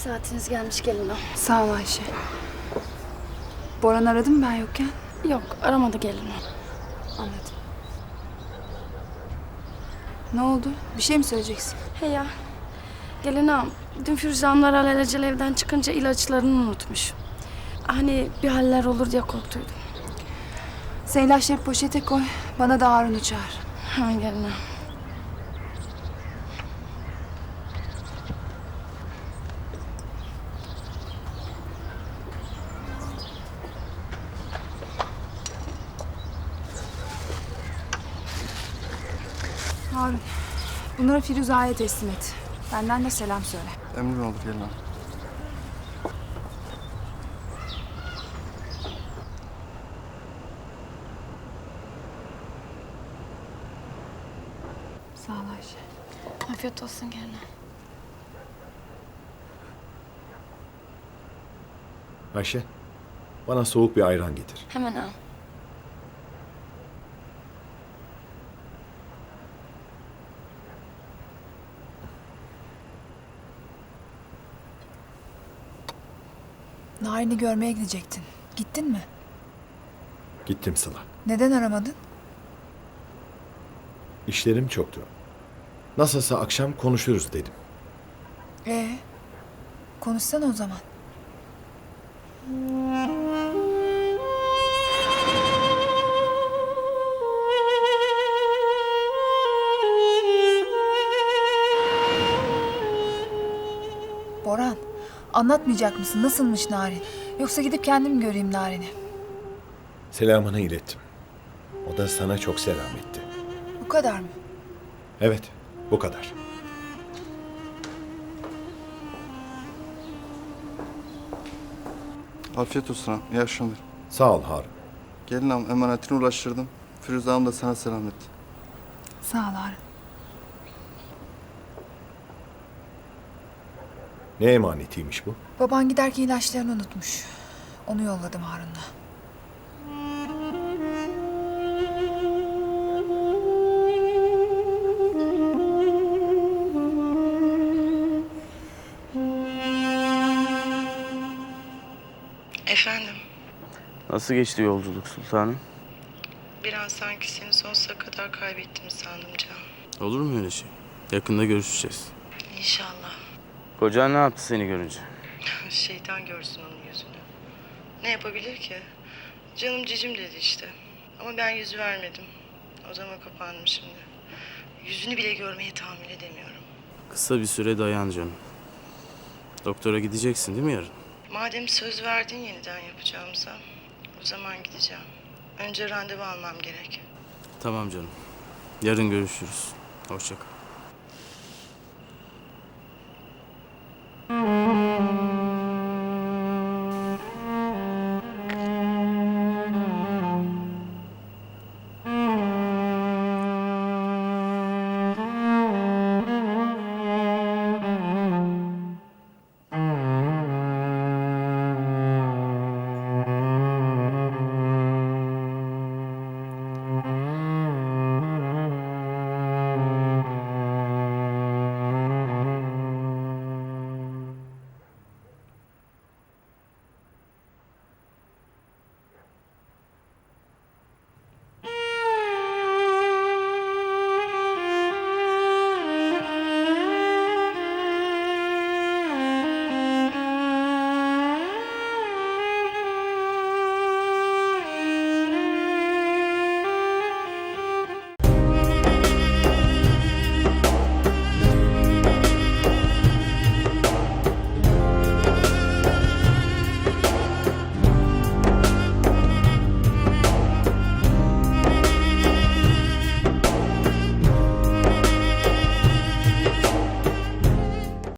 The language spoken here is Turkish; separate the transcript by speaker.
Speaker 1: Saatiniz gelmiş gelin o.
Speaker 2: Sağ ol Ayşe. Boran aradı mı ben yokken?
Speaker 1: Yok aramadı gelin o.
Speaker 2: Anladım. Ne oldu? Bir şey mi söyleyeceksin?
Speaker 1: He ya. Gelin ağam. Dün Firuze Hanımlar alelacele evden çıkınca ilaçlarını unutmuş. Hani bir haller olur diye korktuydum.
Speaker 2: Sen ilaçları poşete koy. Bana da Harun'u çağır.
Speaker 1: Hemen gelin ağam.
Speaker 2: Harun, bunları Firuze'ye teslim et. Benden de selam söyle.
Speaker 3: Emrin olur gelin hanım.
Speaker 2: Sağ ol Ayşe.
Speaker 1: Afiyet olsun gelin ağam.
Speaker 4: Ayşe, bana soğuk bir ayran getir.
Speaker 1: Hemen ağam.
Speaker 2: Narin'i görmeye gidecektin. Gittin mi?
Speaker 4: Gittim Sıla.
Speaker 2: Neden aramadın?
Speaker 4: İşlerim çoktu. Nasılsa akşam konuşuruz dedim.
Speaker 2: Konuşsana o zaman. Boran, anlatmayacak mısın? Nasılmış Narin? Yoksa gidip kendim göreyim Narin'i.
Speaker 4: Selamını ilettim. O da sana çok selam etti.
Speaker 2: Bu kadar mı?
Speaker 4: Evet, bu kadar.
Speaker 3: Afiyet olsun hanım. İyi akşamlar.
Speaker 4: Sağ ol Harun.
Speaker 3: Gelin hanım emanetini ulaştırdım. Firuze hanım da sana selam etti.
Speaker 2: Sağ ol Harun.
Speaker 4: Ne emanetiymiş bu?
Speaker 2: Baban giderken ilaçlarını unutmuş. Onu yolladım Harun'la.
Speaker 5: Efendim,
Speaker 6: Nasıl geçti yolculuk sultanım?
Speaker 5: bir an sanki seni sonsuza kadar kaybettim sandım Can.
Speaker 6: Olur mu öyle şey? Yakında görüşeceğiz.
Speaker 5: İnşallah.
Speaker 6: Kocan ne yaptı seni görünce?
Speaker 5: Şeytan görsün onun yüzünü. Ne yapabilir ki? Canım cicim dedi işte. Ama ben yüz vermedim. O zaman kapandım şimdi. Yüzünü bile görmeye tahammül edemiyorum.
Speaker 6: Kısa bir süre dayan canım. Doktora gideceksin değil mi yarın?
Speaker 5: Madem söz verdin yeniden yapacağımıza, o zaman gideceğim. Önce randevu almam gerek.
Speaker 6: Tamam canım. Yarın görüşürüz. Hoşça kal.